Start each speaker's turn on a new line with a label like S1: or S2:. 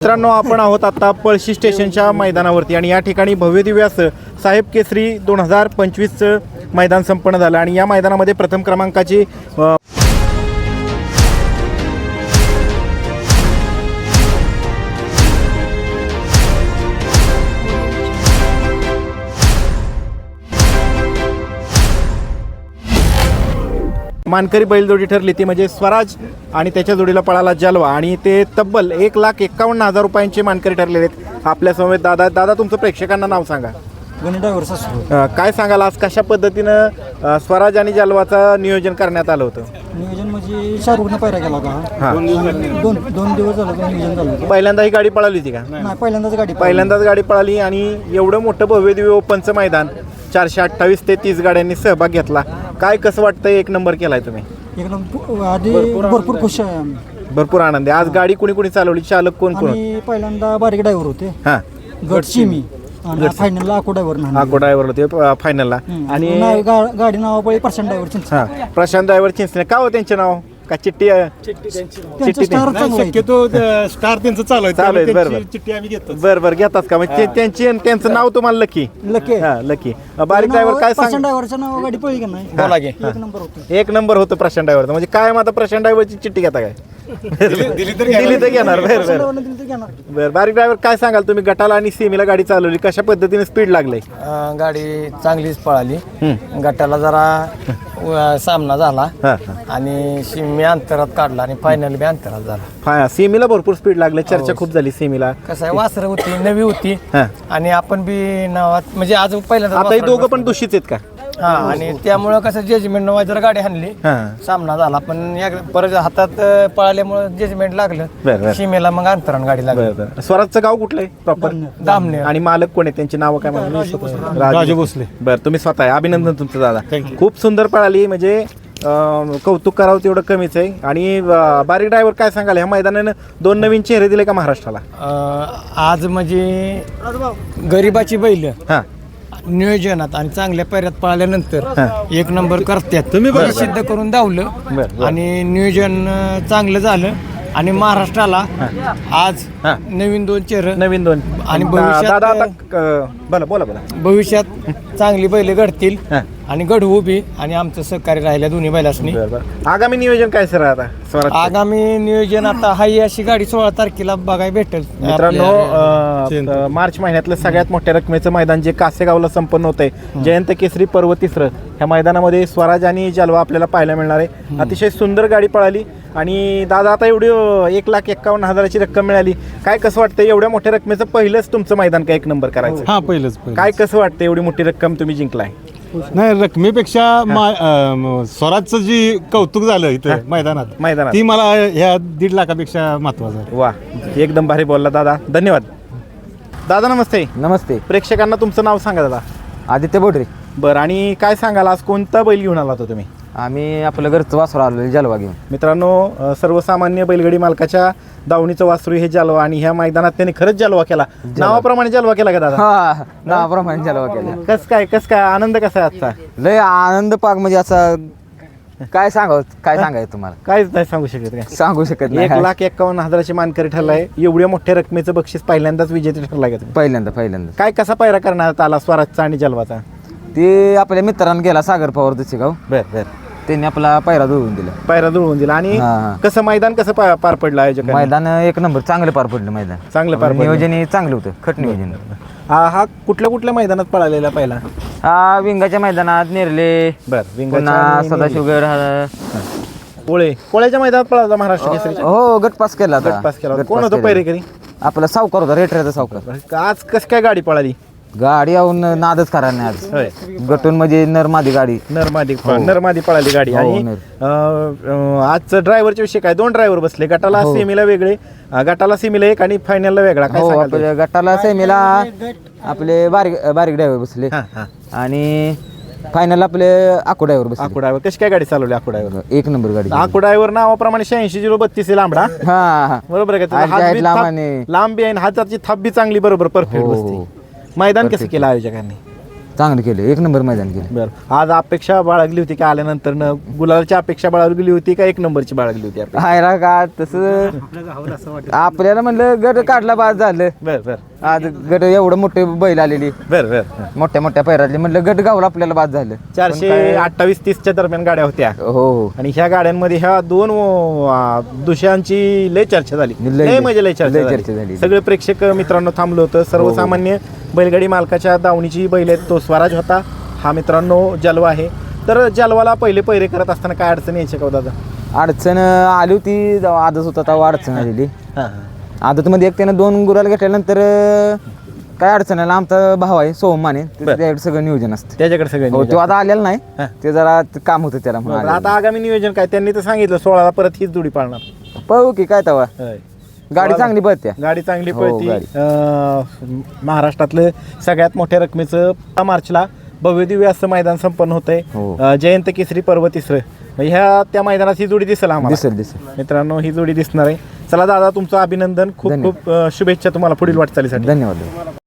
S1: मित्रांनो, आपण आहोत आता पळशी स्टेशनच्या मैदानावरती आणि या ठिकाणी भव्य दिव्य असं साहेब केसरी 2025चं मैदान संपन्न झालं आणि या मैदानामध्ये प्रथम क्रमांकाची मानकरी बैलजोडी ठरली ती म्हणजे स्वराज आणि त्याच्या जोडीला पळाला जलवा आणि ते तब्बल 1,51,000 रुपयांचे मानकरी ठरलेले आहेत. आपल्या समवेत दादा तुमचं प्रेक्षकांना नाव सांगा. काय सांगाल आज कशा पद्धतीनं स्वराज आणि जलवाचं नियोजन करण्यात आलं होतं?
S2: नियोजन म्हणजे शाहरुखनं पायरा केला होता. दोन दिवस झालं नियोजन झालं होतं.
S1: पहिल्यांदा ही गाडी पळाली होती का?
S2: नाही, पहिल्यांदाच
S1: गाडी पळाली आणि एवढं मोठं भव्य दिव्य ओपनचं मैदान 428 ते 30 गाड्यांनी सहभाग घेतला. काय कसं वाटतंय? एक नंबर केलाय तुम्ही.
S2: एकदम आधी भरपूर खुश आहे आम्ही.
S1: भरपूर आनंद आहे. आज गाडी कुणी चालवली? चालक कोण?
S2: आम्ही पहिल्यांदा बारीक ड्रायव्हर होते.
S1: हा,
S2: गटची मी आणि फायनलला आको
S1: ड्रायव्हर होते फायनलला. आणि
S2: गाडी नावापळी प्रशांत ड्रायव्हर.
S1: हा, प्रशांत ड्रायव्हर चिंचणे. का हो त्यांचे नाव? का चिठ्ठी
S3: शक्यतो स्टार त्यांचं चालू आहे. चिठ्ठी आम्ही घेतो.
S1: बरं घेतात का? म्हणजे त्यांचं नाव तुम्हाला लकी. लकी. बारीक ड्रायव्हर काय सांग?
S2: ड्रायव्हरचं नाव गाडी पळली का नाही?
S1: बोला की. एक नंबर होतं प्रशांत ड्रायव्हरचं. म्हणजे काय आता प्रशांत ड्रायव्हरची चिठ्ठी घेता काय? दिली तर घेणार. बरं बारीक ड्रायव्हर काय सांगाल तुम्ही? गटाला आणि सीमेला गाडी चालवली, कशा पद्धतीने स्पीड लागले?
S4: गाडी चांगलीच पळाली. गटाला जरा सामना झाला आणि सीमी अंतरात काढला आणि फायनल बी अंतरात झाला.
S1: सीमेला भरपूर स्पीड लागले, चर्चा खूप झाली सीमेला.
S4: कसं आहे, वासरं होती, नवी होती आणि आपण बी नावात म्हणजे आज पहिल्यांदा
S1: आता हे दोघं पण दोषीच आहेत का?
S4: हा, आणि त्यामुळं कसं जजमेंट जरा गाडी हाणली, सामना झाला. पण परत हातात पळाल्यामुळे जजमेंट लागलं. सीमेला मग अंतरान गाडी लागली.
S1: स्वराजचं गाव कुठलं आहे प्रॉपर?
S4: दामने.
S1: आणि मालक कोण आहे? त्यांची नावं काय?
S3: राजू भोसले.
S1: बरं, तुम्ही स्वतः आहे. अभिनंदन तुमचं दादा. खूप सुंदर पळाली. म्हणजे कौतुक करावं तेवढं कमीच आहे. आणि बारीक ड्रायव्हर काय सांगाल? ह्या मैदानानं 2 नवीन चेहरे दिले का महाराष्ट्राला?
S4: आज म्हणजे गरीबाची बैल नियोजनात आणि चांगल्या पैऱ्यात पळाल्यानंतर एक नंबर करतात. तुम्ही सिद्ध करून धावलं आणि नियोजन चांगलं झालं आणि महाराष्ट्राला आज नवीन 2 चेहरे आणि भविष्यात चांगली बैल घडतील आणि घडवू बी आणि आमचं सहकार्य राहिल्या दोन्ही बैलांनी.
S1: आगामी नियोजन काय सर आता?
S4: आगामी नियोजन आता हाही अशी गाडी 16 तारखेला बघायला भेटेल.
S1: मित्रांनो, मार्च महिन्यातलं सगळ्यात मोठ्या रकमेचं मैदान जे कासेगावला संपन्न होतंय, जयंत केसरी पर्व 3, ह्या मैदानामध्ये स्वराज आणि जलवा आपल्याला पाहायला मिळणार आहे. अतिशय सुंदर गाडी पळाली. आणि दादा, आता एवढी 1,51,000ची रक्कम मिळाली, काय कसं वाटतं? एवढ्या मोठ्या रकमेचं पहिलंच तुमचं मैदान का 1 नंबर करायचं?
S3: हा, पहिलंच.
S1: काय कसं वाटतं? एवढी मोठी रक्कम तुम्ही जिंकलाय.
S3: नाही, रकमेपेक्षा स्वराजचं जी कौतुक झालं इथं मैदानात ती मला ह्या 1.5 लाखापेक्षा महत्वाचं आहे.
S1: वा, एकदम भारी बोलला दादा. धन्यवाद. दादा नमस्ते.
S5: नमस्ते.
S1: प्रेक्षकांना तुमचं नाव सांगा दादा.
S5: आदित्य बोडरे.
S1: बरं, आणि काय सांगाल आज कोणता बैल घेऊन आला होता तुम्ही?
S5: आम्ही आपलं घरचं वासरू आलो जलवा घेऊन.
S1: मित्रांनो, सर्वसामान्य बैलगाडी मालकाच्या दावणीचं वासरू हे जलवा आणि ह्या मैदानात त्यांनी खरंच जलवा केला. नावाप्रमाणे जलवा केला का दादा?
S5: हा, नावाप्रमाणे जलवा केला.
S1: कस काय आनंद कसा आहे आजचा?
S5: लय आनंद पाक. म्हणजे असा काय सांगायचं तुम्हाला?
S1: काहीच नाही सांगू शकत. काय
S5: सांगू शकत नाही.
S1: 1,51,000ची मानकरी ठरलाय. एवढ्या मोठ्या रकमेचं बक्षीस पहिल्यांदाच विजेते ठरलाय का?
S5: पहिल्यांदा.
S1: काय कसा पायरा करण्यात आला स्वराजचा आणि जलवाचा?
S5: ते आपल्या मित्रांनी गेला सागर पवार दुसगाव.
S1: बर.
S5: त्यांनी आपला पायरा जुळवून दिला. आणि
S1: कसं मैदान कसं पार पडलं? आयोजक
S5: मैदान 1 नंबर चांगलं पार पडलं. मैदान
S1: चांगलं पार पडलं.
S5: नियोजन चांगलं होतं. खट नियोजन.
S1: हा कुठल्या मैदानात पळालेला पहिला?
S5: हा, विंगाच्या मैदानात नेरले. पुन्हा सदाशिवगड.
S1: पोळ्याच्या मैदानात पळाला महाराष्ट्र केसरी.
S5: हो, गट पास केला.
S1: कोण होतं पैरेकरी?
S5: आपला सावकार होता, रेटऱ्याचा सावकार.
S1: आज कस काय गाडी पळाली?
S5: गाडी येऊन नादच करा नाही आज. गटून म्हणजे नरमादी गाडी.
S1: नरमादी पळाली गाडी. आणि आजचं ड्रायव्हरच्या विषय काय? 2 ड्रायव्हर बसले. गटाला सेमीला वेगळे, गटाला सेमीला एक आणि फायनलला वेगळा.
S5: काय गटाला सेमीला आपले बारीक ड्रायव्हर बसले आणि फायनल आपले आको ड्रायव्हर बसले.
S1: आको ड्रायव्हर कशी काय गाडी चालवली? आको ड्रायव्हर
S5: 1 नंबर गाडी.
S1: आको ड्रायव्हर नावाप्रमाणे 86-032 लांबडा. बरोबर आहे का? लांबी आहे, हाताची थाप बी चांगली, बरोबर परफेक्ट बसते. मैदान कसं केलं आयोजकांनी?
S5: चांगलं केलं, एक नंबर मैदान केलं.
S1: बरं, आज अपेक्षा बाळगली होती का आल्यानंतर गुलालची अपेक्षा बाळगली होती का एक नंबरची बाळगली होती अपेक्षा?
S5: हायला का तसं आपल्याला म्हणलं गट काढला बाद झालं.
S1: बरं बरं
S5: आज गट एवढं मोठे बैल आलेली
S1: बरं बरं
S5: मोठ्या मोठ्या पैरातली, म्हणलं गट गावला आपल्याला बाद झालं.
S1: 428-30च्या दरम्यान गाड्या होत्या
S5: हो हो
S1: आणि ह्या गाड्यांमध्ये ह्या दोन दुसऱ्यांची लय चर्चा झाली, लय म्हणजे लय
S5: चर्चा
S1: चर्चा
S5: झाली.
S1: झाली. सगळे प्रेक्षक मित्रांनो थांबलो होतं. सर्वसामान्य बैलगाडी मालकाच्या दावणीची बैल आहेत. तो स्वराज होता, हा मित्रांनो जलवा आहे. तर जलवाला पहिले पैरे करत असताना काय अडचण यायची का हो दादा?
S5: अडचण आली होती जेव्हा आदत होता तेव्हा अडचण आलेली.
S1: हां
S5: आदतमध्ये एक त्यानं 2 गुलाल घेतल्यानंतर काय अडचण आला. आमचा भाव आहे सोहम माने, त्याच्याकडे सगळं नियोजन असतं.
S1: त्याच्याकडे सगळं
S5: हो,
S1: नियोजन.
S5: तो आता आलेला नाही,
S1: हां.
S5: ते जरा काम होतं त्याला म्हणून
S1: बरं,
S5: आलेला
S1: आता आगामी नियोजन काय? त्यांनी तर सांगितलं 16ला परत हीच जोडी पाळणार.
S5: नाही. पाहू की काय तेव्हा
S1: होय.
S5: गाडी चांगली पळते.
S1: गाडी चांगली
S5: हो,
S1: पळती.
S5: गाडी.
S1: महाराष्ट्रातलं सगळ्यात मोठ्या रकमेचं मार्चला भव्यदिव्य असं मैदान संपन्न होतंय.
S5: हो.
S1: जयंत केसरी पर्व तिसरं. ह्या त्या मैदानात ही जोडी दिसेल आम्हाला.
S5: दिसेल.
S1: मित्रांनो, ही जोडी दिसणार आहे. चला दादा, तुमचं अभिनंदन, खूप
S5: धन्यवाद.
S1: खूप शुभेच्छा तुम्हाला पुढील वाटचालीसाठी.
S5: धन्यवाद.